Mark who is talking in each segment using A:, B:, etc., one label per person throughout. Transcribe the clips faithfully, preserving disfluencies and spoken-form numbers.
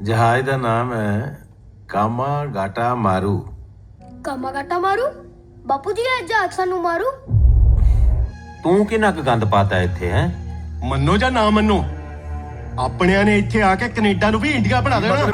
A: जहाज का नाम है कामा गाटा मारू।
B: कामा गाटा मारू? बापू जी है जहाज सानू मारू?
A: तू कि नक गंद पाता इत्थे है?
C: ਮੰਨੋ ਜਾਂ ਨਾ ਮੰਨੋ, ਆਪਣਿਆਂ ਨੇ ਇੱਥੇ ਆ ਕੇ ਕੈਨੇਡਾ ਨੂੰ ਵੀ ਇੰਡੀਆ ਬਣਾ ਦੇਣਾ।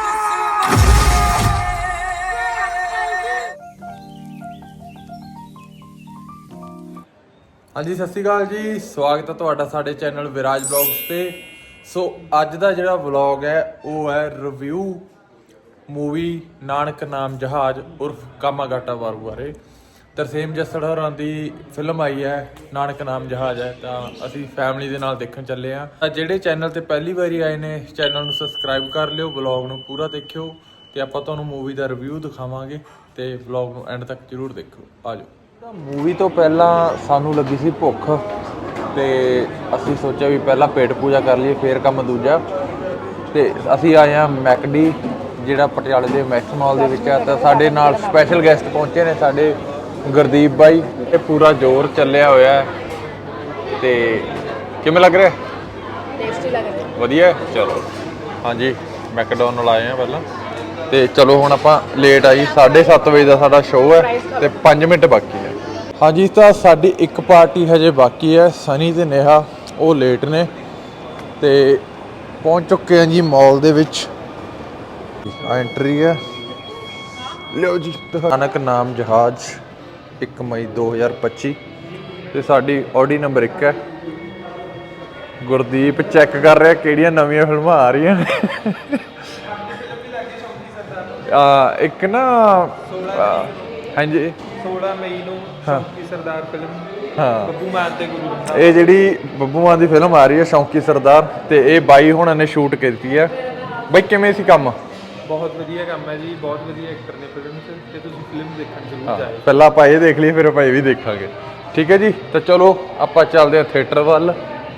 D: ਹਾਂਜੀ ਸਤਿ ਸ਼੍ਰੀ ਅਕਾਲ ਜੀ, ਸਵਾਗਤ ਹੈ ਤੁਹਾਡਾ ਸਾਡੇ ਚੈਨਲ ਵਿਰਾਜ ਬਲੌਗਸ ਤੇ। ਸੋ ਅੱਜ ਦਾ ਜਿਹੜਾ ਵਲੌਗ ਹੈ ਉਹ ਹੈ ਰਿਵਿਊ ਮੂਵੀ ਨਾਨਕ ਨਾਮ ਜਹਾਜ਼ ਉਰਫ ਕਾਮਾ ਗਾਟਾ ਮਾਰੂ ਬਾਰੇ। ਤਰਸੇਮ ਜੱਸੜ ਹੋਰਾਂ ਦੀ ਫਿਲਮ ਆਈ ਹੈ ਨਾਨਕ ਨਾਮ ਜਹਾਜ਼ ਹੈ, ਤਾਂ ਅਸੀਂ ਫੈਮਿਲੀ ਦੇ ਨਾਲ ਦੇਖਣ ਚੱਲੇ ਹਾਂ। ਤਾਂ ਜਿਹੜੇ ਚੈਨਲ ਤੇ ਪਹਿਲੀ ਵਾਰੀ ਆਏ ਨੇ ਚੈਨਲ ਨੂੰ ਸਬਸਕ੍ਰਾਈਬ ਕਰ ਲਿਓ, ਵਲੌਗ ਨੂੰ ਪੂਰਾ ਦੇਖਿਓ ਤੇ ਆਪਾਂ ਤੁਹਾਨੂੰ ਮੂਵੀ ਦਾ ਰਿਵਿਊ ਦਿਖਾਵਾਂਗੇ ਤੇ ਵਲੌਗ ਨੂੰ ਐਂਡ ਤੱਕ ਜ਼ਰੂਰ ਦੇਖੋ। ਆ ਜਾਓ। ਮੂਵੀ ਤੋਂ ਪਹਿਲਾਂ ਸਾਨੂੰ ਲੱਗੀ ਸੀ ਭੁੱਖ ਤੇ ਅਸੀਂ ਸੋਚਿਆ ਵੀ ਪਹਿਲਾਂ ਪੇਟ ਪੂਜਾ ਕਰ ਲਈਏ ਫਿਰ ਕੰਮ ਦੂਜਾ। ਤੇ ਅਸੀਂ ਆਏ ਹਾਂ ਮੈਕਡੀ ਜਿਹੜਾ ਪਟਿਆਲੇ ਦੇ ਮੈਕਸ ਮਾਲ ਦੇ ਵਿੱਚ ਹੈ। ਤਾਂ ਸਾਡੇ ਨਾਲ ਸਪੈਸ਼ਲ ਗੈਸਟ ਪਹੁੰਚੇ ਨੇ ਸਾਡੇ ਗੁਰਦੀਪ ਬਾਈ। ਇਹ ਪੂਰਾ ਜ਼ੋਰ ਚੱਲਿਆ ਹੋਇਆ ਹੈ ਤੇ ਕਿਵੇਂ ਲੱਗ ਰਿਹਾ?
B: टेस्टी लग रहा है।
D: ਵਧੀਆ। ਚਲੋ ਹਾਂਜੀ ਮੈਕਡੋਨਲ ਆਏ ਆ ਪਹਿਲਾਂ ਤੇ ਚਲੋ ਹੁਣ ਆਪਾਂ ਲੇਟ ਆਈ ਸਾਢੇ ਸੱਤ ਵਜੇ ਦਾ ਸਾਡਾ ਸ਼ੋਅ ਹੈ ਤੇ ਪੰਜ ਮਿੰਟ ਬਾਕੀ ਹੈ। ਹਾਂਜੀ ਤਾਂ ਸਾਡੀ ਇੱਕ ਪਾਰਟੀ ਹਜੇ ਬਾਕੀ ਹੈ, ਸਨੀ ਤੇ ਨੇਹਾ ਉਹ ਲੇਟ ਨੇ ਤੇ ਪਹੁੰਚ ਚੁੱਕੇ ਹਾਂ ਜੀ ਮਾਲ ਦੇ ਵਿੱਚ। ਆ ਐਂਟਰੀ ਹੈ, ਲਿਓ ਜੀ। ਨਾਨਕ ਨਾਮ ਜਹਾਜ਼ ਇੱਕ ਮਈ ਦੋ ਹਜ਼ਾਰ ਪੱਚੀ ਤੇ ਸਾਡੀ ਆਡੀ ਨੰਬਰ ਇੱਕ ਹੈ। ਗੁਰਦੀਪ ਚੈੱਕ ਕਰ ਰਿਹਾ ਕਿਹੜੀਆਂ ਨਵੀਆਂ ਫਿਲਮਾਂ ਆ ਰਹੀਆਂ ਨੇ। ਆ ਇੱਕ ਨਾ ਹਾਂਜੀ
E: सोलह मई ਨੂੰ ਸ਼ੌਂਕੀ ਸਰਦਾਰ ਫਿਲਮ
D: ਹਾਂ
E: ਬੱਬੂ ਮਾਨ ਤੇ ਗੁਰੂ ਰੰਧਾਵਾ।
D: ਇਹ ਜਿਹੜੀ ਬੱਬੂ ਮਾਨ ਦੀ ਫਿਲਮ ਆ ਰਹੀ ਹੈ ਸ਼ੌਂਕੀ ਸਰਦਾਰ, ਤੇ ਇਹ ਬਾਈ ਹੁਣਾਂ ਨੇ ਸ਼ੂਟ ਕੀਤੀ ਹੈ। ਬਈ ਕਿਵੇਂ ਸੀ ਕੰਮ?
E: ਬਹੁਤ ਵਧੀਆ ਕੰਮ ਹੈ ਜੀ, ਬਹੁਤ ਵਧੀਆ ਐਕਟਰ ਨੇ ਫਿਲਮ 'ਚ ਤੇ ਤੁਸੀਂ ਫਿਲਮ ਦੇਖਣ ਜ਼ਰੂਰ
D: ਹਾਂ
E: ਜਾਇਓ।
D: ਪਹਿਲਾਂ ਆਪਾਂ ਇਹ ਦੇਖ ਲਈਏ ਫਿਰ ਆਪਾਂ ਇਹ ਵੀ ਦੇਖਾਂਗੇ। ਠੀਕ ਹੈ ਜੀ, ਤਾਂ ਚਲੋ ਆਪਾਂ ਚੱਲਦੇ ਹਾਂ ਥੀਏਟਰ ਵੱਲ।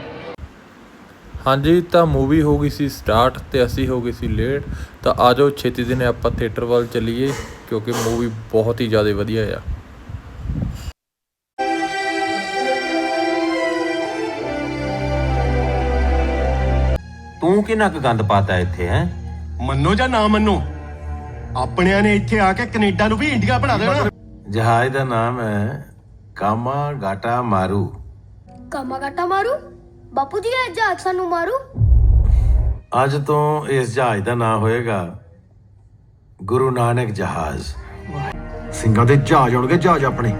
D: ਹਾਂਜੀ ਤਾਂ ਮੂਵੀ ਹੋ ਗਈ ਸੀ ਸਟਾਰਟ ਤੇ ਅਸੀਂ ਹੋ ਗਏ ਸੀ ਲੇਟ। ਤਾਂ ਆ ਜਾਓ ਛੇਤੀ ਦਿਨੇ ਆਪਾਂ ਥੀਏਟਰ ਵੱਲ ਚੱਲੀਏ ਕਿਉਂਕਿ ਮੂਵੀ ਬਹੁਤ ਹੀ ਜ਼ਿਆਦਾ ਵਧੀਆ ਆ।
A: तू कि नक गंद पाता इत्थे है?
C: ਮੰਨੋ ਜਾਂ ਨਾ ਮੰਨੋ, ਆਪਣਿਆਂ ਨੇ ਇੱਥੇ ਆ ਕੇ ਕੈਨੇਡਾ ਨੂੰ ਵੀ ਇੰਡੀਆ ਬਣਾ ਦੇਣਾ।
A: जहाज का नाम है कामा गाटा मारू।
B: कामा गाटा मारू? बापू जी है जहाज सानू मारू?
A: ਅੱਜ ਤੋਂ ਇਸ ਜਹਾਜ਼ ਦਾ ਨਾਂ ਹੋਏਗਾ ਗੁਰੂ ਨਾਨਕ ਜਹਾਜ਼।
C: ਸਿੰਘਾਂ ਦੇ ਜਹਾਜ਼ ਆਉਣਗੇ, ਜਹਾਜ਼ ਆਪਣੇ।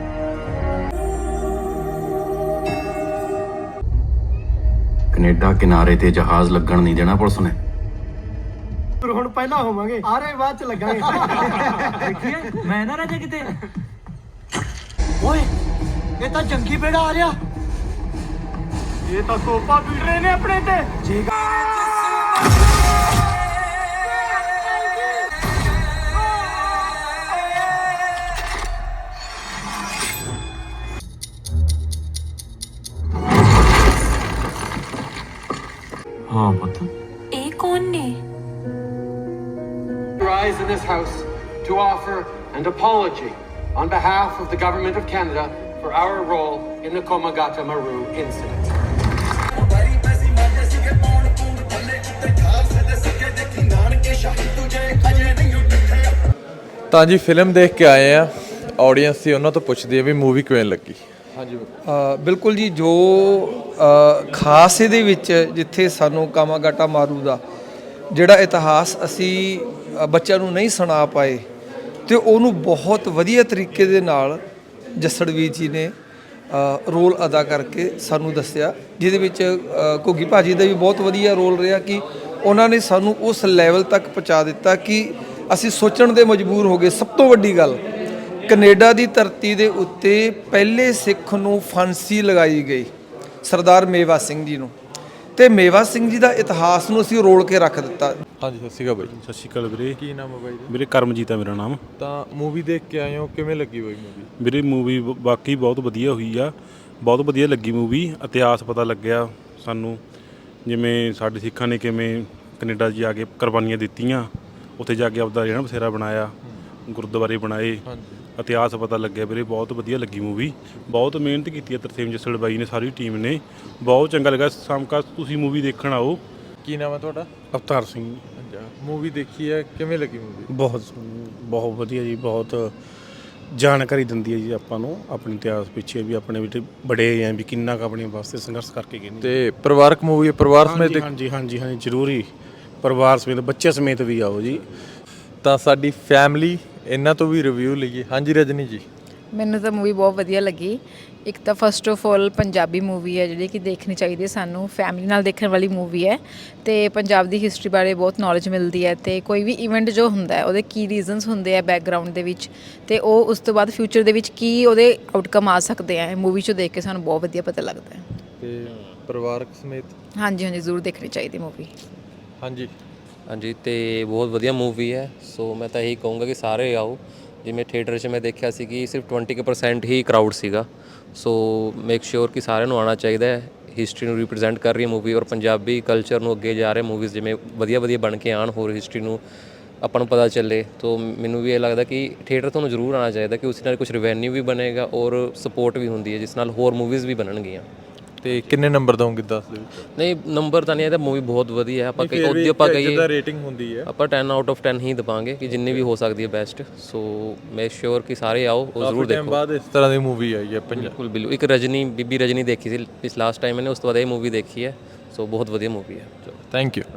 F: ਕੈਨੇਡਾ ਕਿਨਾਰੇ ਤੇ ਜਹਾਜ਼ ਲੱਗਣ ਨਹੀਂ ਦੇਣਾ ਪੁਲਿਸ ਨੇ।
C: ਪਰ ਹੁਣ ਪਹਿਲਾਂ ਹੋਵਾਂਗੇ, ਆਰੇ ਬਾਅਦ ਚ ਲੱਗਾਂਗੇ।
E: ਦੇਖੀਏ ਮੈਂ ਨਾ ਰਹਿ ਜਾ ਕਿਤੇ। ਓਏ ਇਹ ਤਾਂ ਜੰਗੀ ਬੇੜਾ ਆ ਰਿਹਾ।
C: ਇਹ ਤਾਂ ਕੋਪਾ ਪੀੜ ਰਹੇ ਨੇ ਆਪਣੇ ਤੇ।
F: ਹਾਂ ਪੁੱਤ,
B: ਇਹ ਕੌਣ ਨੇ?
G: rise in this house to offer an apology on behalf of the Government of Canada for our role in the Komagata Maru incident.
D: ਤਾਂ ਜੀ ਫਿਲਮ ਦੇਖ ਕੇ ਆਏ ਆ, ਆਡੀਅנס ਸੀ ਉਹਨਾਂ ਤੋਂ ਪੁੱਛਦੀ ਆ ਵੀ ਮੂਵੀ ਕਿਵੇਂ ਲੱਗੀ। ਹਾਂਜੀ
H: ਅ, ਬਿਲਕੁਲ ਜੀ, ਜੋ ਅ, ਖਾਸ ਇਹਦੇ ਵਿੱਚ ਜਿੱਥੇ ਸਾਨੂੰ ਕਾਮਾ ਗਾਟਾ ਮਾਰੂ ਦਾ ਜਿਹੜਾ ਇਤਿਹਾਸ ਅਸੀਂ ਅ, ਬੱਚਿਆਂ ਨੂੰ ਨਹੀਂ ਸੁਣਾ ਪਾਏ ਤੇ ਉਹਨੂੰ ਬਹੁਤ ਵਧੀਆ ਤਰੀਕੇ ਦੇ ਨਾਲ ਜੱਸੜਵੀਰ ਜੀ ਨੇ ਅ, ਰੋਲ ਅਦਾ ਕਰਕੇ ਸਾਨੂੰ ਦੱਸਿਆ, ਜਿਹਦੇ ਵਿੱਚ ਅ, ਘੁੱਗੀ ਭਾਜੀ ਦਾ ਵੀ ਬਹੁਤ ਵਧੀਆ ਰੋਲ ਰਿਹਾ ਕਿ ਉਹਨਾਂ ਨੇ ਸਾਨੂੰ ਉਸ ਲੈਵਲ ਤੱਕ ਪਹੁੰਚਾ ਦਿੱਤਾ ਕਿ ਅਸੀਂ ਸੋਚਣ ਦੇ ਮਜਬੂਰ ਹੋ ਗਏ। ਸਭ ਤੋਂ ਵੱਡੀ ਗੱਲ, ਕੈਨੇਡਾ ਦੀ ਧਰਤੀ ਦੇ ਉੱਤੇ ਪਹਿਲੇ ਸਿੱਖ ਨੂੰ ਫਾਂਸੀ ਲਗਾਈ ਗਈ ਸਰਦਾਰ ਮੇਵਾ ਸਿੰਘ ਜੀ ਨੂੰ, ਤੇ ਮੇਵਾ ਸਿੰਘ ਜੀ ਦਾ ਇਤਿਹਾਸ ਨੂੰ ਅਸੀਂ ਰੋਲ ਕੇ ਰੱਖ ਦਿੱਤਾ।
D: ਹਾਂਜੀ ਸਤਿ ਸ਼੍ਰੀ ਅਕਾਲ ਬਾਈ।
I: ਸਤਿ ਸ਼੍ਰੀ ਅਕਾਲ ਵੀਰੇ।
D: ਕੀ ਨਾਮ ਹੈ ਬਾਈ ਜੀ?
I: ਵੀਰੇ ਕਰਮਜੀਤ ਆ ਮੇਰਾ ਨਾਮ।
D: ਤਾਂ ਮੂਵੀ ਦੇਖ ਕੇ ਆਏ ਹੋ, ਕਿਵੇਂ ਲੱਗੀ ਬਾਈ ਮੂਵੀ?
I: ਵੀਰੇ ਮੂਵੀ ਵਾਕਈ ਬਹੁਤ ਵਧੀਆ ਹੋਈ ਆ, ਬਹੁਤ ਵਧੀਆ ਲੱਗੀ ਮੂਵੀ। ਇਤਿਹਾਸ ਪਤਾ ਲੱਗਿਆ ਸਾਨੂੰ, ਜਿਵੇਂ ਸਾਡੇ ਸਿੱਖਾਂ ਨੇ ਕਿਵੇਂ ਕੈਨੇਡਾ ਜਾ ਕੇ ਕੁਰਬਾਨੀਆਂ ਦਿੱਤੀਆਂ, ਉੱਥੇ ਜਾ ਕੇ ਆਪਦਾ ਰਹਿਣ ਬਸੇਰਾ ਬਣਾਇਆ, ਗੁਰਦੁਆਰੇ ਬਣਾਏ, ਇਤਿਹਾਸ ਪਤਾ ਲੱਗਿਆ ਵੀਰੇ। ਬਹੁਤ ਵਧੀਆ ਲੱਗੀ ਮੂਵੀ, ਬਹੁਤ ਮਿਹਨਤ ਕੀਤੀ ਹੈ ਤਰਸੇਮ ਜੱਸੜ ਬਾਈ ਨੇ, ਸਾਰੀ ਟੀਮ ਨੇ। ਬਹੁਤ ਚੰਗਾ ਲੱਗਾ। ਸਾਮਕਾ ਤੁਸੀਂ ਮੂਵੀ ਦੇਖਣ ਆਓ।
D: ਕੀ ਨਾਮ ਹੈ ਤੁਹਾਡਾ?
I: ਅਵਤਾਰ ਸਿੰਘ।
D: ਅੱਛਾ, ਮੂਵੀ ਦੇਖੀ ਹੈ, ਕਿਵੇਂ ਲੱਗੀ ਮੂਵੀ?
I: ਬਹੁਤ ਬਹੁਤ ਵਧੀਆ ਜੀ, ਬਹੁਤ ਜਾਣਕਾਰੀ ਦਿੰਦੀ ਹੈ ਜੀ ਆਪਾਂ ਨੂੰ ਆਪਣੇ ਇਤਿਹਾਸ ਪਿੱਛੇ ਵੀ, ਆਪਣੇ ਜਿਹੜੇ ਬੜੇ ਆ ਵੀ ਕਿੰਨਾ ਕੁ ਆਪਣੇ ਵਾਸਤੇ ਸੰਘਰਸ਼ ਕਰਕੇ ਗਏ ਨੇ।
D: ਤੇ ਪਰਿਵਾਰਕ ਮੂਵੀ ਹੈ, ਪਰਿਵਾਰ ਸਮੇਤ ਦੇਖ-
I: ਹਾਂਜੀ ਹਾਂਜੀ ਹਾਂਜੀ ਜ਼ਰੂਰੀ, ਪਰਿਵਾਰ ਸਮੇਤ ਬੱਚੇ ਸਮੇਤ ਵੀ ਆਓ ਜੀ।
D: ਤਾਂ ਸਾਡੀ ਫੈਮਿਲੀ ਇਹਨਾਂ ਤੋਂ ਵੀ ਰਿਵਿਊ ਲਈਏ। ਹਾਂਜੀ ਰਜਨੀ ਜੀ।
J: ਮੈਨੂੰ ਤਾਂ ਮੂਵੀ ਬਹੁਤ ਵਧੀਆ ਲੱਗੀ। ਇੱਕ ਤਾਂ first of all Punjabi movie ਹੈ ਜਿਹੜੀ ਕਿ ਦੇਖਣੀ ਚਾਹੀਦੀ ਹੈ ਸਾਨੂੰ, ਫੈਮਿਲੀ ਨਾਲ ਦੇਖਣ ਵਾਲੀ ਮੂਵੀ ਹੈ ਤੇ ਪੰਜਾਬ ਦੀ ਹਿਸਟਰੀ ਬਾਰੇ ਬਹੁਤ ਨੌਲੇਜ ਮਿਲਦੀ ਹੈ ਤੇ ਕੋਈ ਵੀ ਇਵੈਂਟ ਜੋ ਹੁੰਦਾ ਹੈ ਉਹਦੇ ਕੀ ਰੀਜ਼ਨਸ ਹੁੰਦੇ ਆ ਬੈਕਗਰਾਊਂਡ ਦੇ ਵਿੱਚ ਤੇ ਉਹ ਉਸ ਤੋਂ ਬਾਅਦ ਫਿਊਚਰ ਦੇ ਵਿੱਚ ਕੀ ਉਹਦੇ ਆਊਟਕਮ ਆ ਸਕਦੇ ਆ, ਮੂਵੀ 'ਚੋਂ ਦੇਖ ਕੇ ਸਾਨੂੰ ਬਹੁਤ ਵਧੀਆ ਪਤਾ ਲੱਗਦਾ ਹੈ।
D: ਤੇ ਪਰਿਵਾਰਕ ਸਮੇਤ
J: ਹਾਂਜੀ ਹਾਂਜੀ ਜ਼ਰੂਰ ਦੇਖਣੀ ਚਾਹੀਦੀ ਮੂਵੀ।
D: ਹਾਂਜੀ
K: ਹਾਂਜੀ ਤੇ ਬਹੁਤ ਵਧੀਆ ਮੂਵੀ ਹੈ, ਸੋ ਮੈਂ ਤਾਂ ਇਹੀ ਕਹੂੰਗਾ ਕਿ ਸਾਰੇ ਆਓ। ਜਿਵੇਂ ਥੀਏਟਰ 'ਚ ਮੈਂ ਦੇਖਿਆ ਸੀ ਕਿ ਸਿਰਫ ਟਵੰਟੀ ਕੁ ਪਰਸੈਂਟ ਹੀ ਕਰਾਊਡ ਸੀਗਾ, ਸੋ ਮੇਕ ਸ਼ੋਰ ਕਿ ਸਾਰਿਆਂ ਨੂੰ ਆਉਣਾ ਚਾਹੀਦਾ ਹੈ। ਹਿਸਟਰੀ ਨੂੰ ਰਿਪਰੈਜ਼ੈਂਟ ਕਰ ਰਹੀ ਹੈ ਮੂਵੀ ਔਰ ਪੰਜਾਬੀ ਕਲਚਰ ਨੂੰ ਅੱਗੇ ਜਾ ਰਹੇ ਮੂਵੀਜ਼ ਜਿਵੇਂ ਵਧੀਆ ਵਧੀਆ ਬਣ ਕੇ ਆਉਣ, ਹੋਰ ਹਿਸਟਰੀ ਨੂੰ ਆਪਾਂ ਨੂੰ ਪਤਾ ਚੱਲੇ। ਤਾਂ ਮੈਨੂੰ ਵੀ ਇਹ ਲੱਗਦਾ ਕਿ ਥੀਏਟਰ ਤੁਹਾਨੂੰ ਜ਼ਰੂਰ ਆਉਣਾ ਚਾਹੀਦਾ ਕਿ ਉਸ ਨਾਲ ਕੁਝ ਰਿਵੈਨਿਊ ਵੀ ਬਣੇਗਾ ਔਰ ਸਪੋਰਟ ਵੀ ਹੁੰਦੀ ਹੈ ਜਿਸ ਨਾਲ ਹੋਰ ਮੂਵੀਜ਼ ਵੀ ਬਣਨਗੀਆਂ।
D: ਤੇ ਕਿੰਨੇ ਨੰਬਰ ਦਵਾਂਗੇ ਦਸ ਦੇ ਵਿੱਚ?
K: ਨਹੀਂ ਨੰਬਰ ਤਾਂ ਨਹੀਂ, ਇਹ ਤਾਂ ਮੂਵੀ ਬਹੁਤ ਵਧੀਆ ਹੈ। ਆਪਾਂ ਕਹੀ ਉਹਦੀ ਆਪਾਂ ਕਹੀਏ
D: ਜਿੱਦਾਂ ਰੇਟਿੰਗ ਹੁੰਦੀ ਹੈ
K: ਆਪਾਂ ਟੈਨ ਆਊਟ ਆਫ ਟੈਨ ਹੀ ਦਵਾਂਗੇ ਕਿ ਜਿੰਨੀ ਵੀ ਹੋ ਸਕਦੀ ਹੈ ਬੈਸਟ। ਸੋ ਮੇਕ ਸ਼ੋਰ ਕਿ ਸਾਰੇ ਆਓ ਉਹ ਜ਼ਰੂਰ
D: ਟਾਈਮ
K: ਦੇਖੋ।
D: ਬਾਅਦ ਇਸ ਤਰ੍ਹਾਂ ਦੀ ਮੂਵੀ ਆਈ ਹੈ ਪੰਜਾਬ।
K: ਬਿਲਕੁਲ ਬਿਲਕੁਲ। ਇੱਕ ਰਜਨੀ ਬੀਬੀ ਰਜਨੀ ਦੇਖੀ ਸੀ ਇਸ ਲਾਸਟ ਟਾਈਮ ਮੈंने, ਉਸ ਤੋਂ ਬਾਅਦ ਇਹ ਮੂਵੀ ਦੇਖੀ ਹੈ, ਸੋ ਬਹੁਤ ਵਧੀਆ ਮੂਵੀ ਹੈ।
D: Thank you.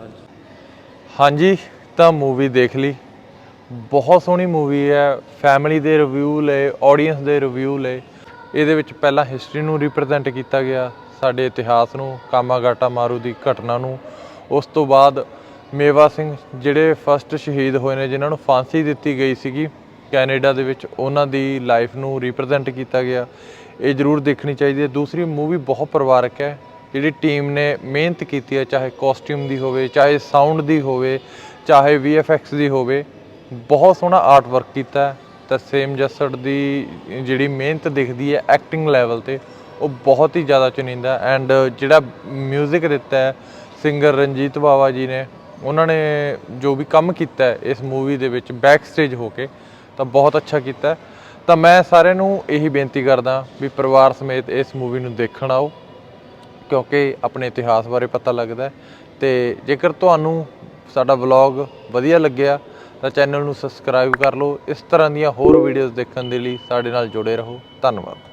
D: ਹਾਂਜੀ ਤਾਂ ਮੂਵੀ ਦੇਖ ਲਈ, ਬਹੁਤ ਸੋਹਣੀ ਮੂਵੀ ਹੈ। ਫੈਮਿਲੀ ਦੇ ਰਿਵਿਊ ਲਏ, ਆਡੀਅנס ਦੇ ਰਿਵਿਊ ਲਏ। ਇਹਦੇ ਵਿੱਚ ਪਹਿਲਾਂ ਹਿਸਟਰੀ ਨੂੰ ਰਿਪਰੈਜ਼ੈਂਟ ਕੀਤਾ ਗਿਆ, ਸਾਡੇ ਇਤਿਹਾਸ ਨੂੰ, ਕਾਮਾਗਾਟਾ ਮਾਰੂ ਦੀ ਘਟਨਾ ਨੂੰ। ਉਸ ਤੋਂ ਬਾਅਦ ਮੇਵਾ ਸਿੰਘ ਜਿਹੜੇ ਫਸਟ ਸ਼ਹੀਦ ਹੋਏ ਨੇ, ਜਿਨ੍ਹਾਂ ਨੂੰ ਫਾਂਸੀ ਦਿੱਤੀ ਗਈ ਸੀਗੀ ਕੈਨੇਡਾ ਦੇ ਵਿੱਚ, ਉਹਨਾਂ ਦੀ ਲਾਈਫ ਨੂੰ ਰਿਪਰੈਜ਼ੈਂਟ ਕੀਤਾ ਗਿਆ। ਇਹ ਜ਼ਰੂਰ ਦੇਖਣੀ ਚਾਹੀਦੀ ਹੈ। ਦੂਸਰੀ ਮੂਵੀ ਬਹੁਤ ਪਰਿਵਾਰਕ ਹੈ, ਜਿਹੜੀ ਟੀਮ ਨੇ ਮਿਹਨਤ ਕੀਤੀ ਹੈ, ਚਾਹੇ ਕਾਸਟਿਊਮ ਦੀ ਹੋਵੇ, ਚਾਹੇ ਸਾਊਂਡ ਦੀ ਹੋਵੇ, ਚਾਹੇ ਵੀ ਐਫ ਐਕਸ ਦੀ ਹੋਵੇ, ਬਹੁਤ ਸੋਹਣਾ ਆਰਟ ਵਰਕ ਕੀਤਾ ਹੈ। ਤਰਸੇਮ ਜੱਸੜ ਦੀ ਜਿਹੜੀ ਮਿਹਨਤ ਦਿਖਦੀ ਹੈ ਐਕਟਿੰਗ ਲੈਵਲ 'ਤੇ, ਉਹ ਬਹੁਤ ਹੀ ਜ਼ਿਆਦਾ ਚੁਣਿੰਦਾ। ਐਂਡ ਜਿਹੜਾ ਮਿਊਜ਼ਿਕ ਦਿੱਤਾ ਹੈ ਸਿੰਗਰ ਰਣਜੀਤ ਬਾਵਾ ਜੀ ਨੇ, ਉਹਨਾਂ ਨੇ ਜੋ ਵੀ ਕੰਮ ਕੀਤਾ ਹੈ ਇਸ ਮੂਵੀ ਦੇ ਵਿੱਚ ਬੈਕ ਸਟੇਜ ਹੋ ਕੇ, ਤਾਂ ਬਹੁਤ ਅੱਛਾ ਕੀਤਾ। ਤਾਂ ਮੈਂ ਸਾਰਿਆਂ ਨੂੰ ਇਹੀ ਬੇਨਤੀ ਕਰਦਾ ਵੀ ਪਰਿਵਾਰ ਸਮੇਤ ਇਸ ਮੂਵੀ ਨੂੰ ਦੇਖਣ ਆਓ, ਕਿਉਂਕਿ ਆਪਣੇ ਇਤਿਹਾਸ ਬਾਰੇ ਪਤਾ ਲੱਗਦਾ। ਅਤੇ ਜੇਕਰ ਤੁਹਾਨੂੰ ਸਾਡਾ ਵਲੌਗ ਵਧੀਆ ਲੱਗਿਆ ਤਾਂ ਚੈਨਲ ਨੂੰ ਸਬਸਕ੍ਰਾਈਬ ਕਰ ਲਓ। ਇਸ ਤਰ੍ਹਾਂ ਦੀਆਂ ਹੋਰ ਵੀਡੀਓਜ਼ ਦੇਖਣ ਦੇ ਲਈ ਸਾਡੇ ਨਾਲ ਜੁੜੇ ਰਹੋ। ਧੰਨਵਾਦ।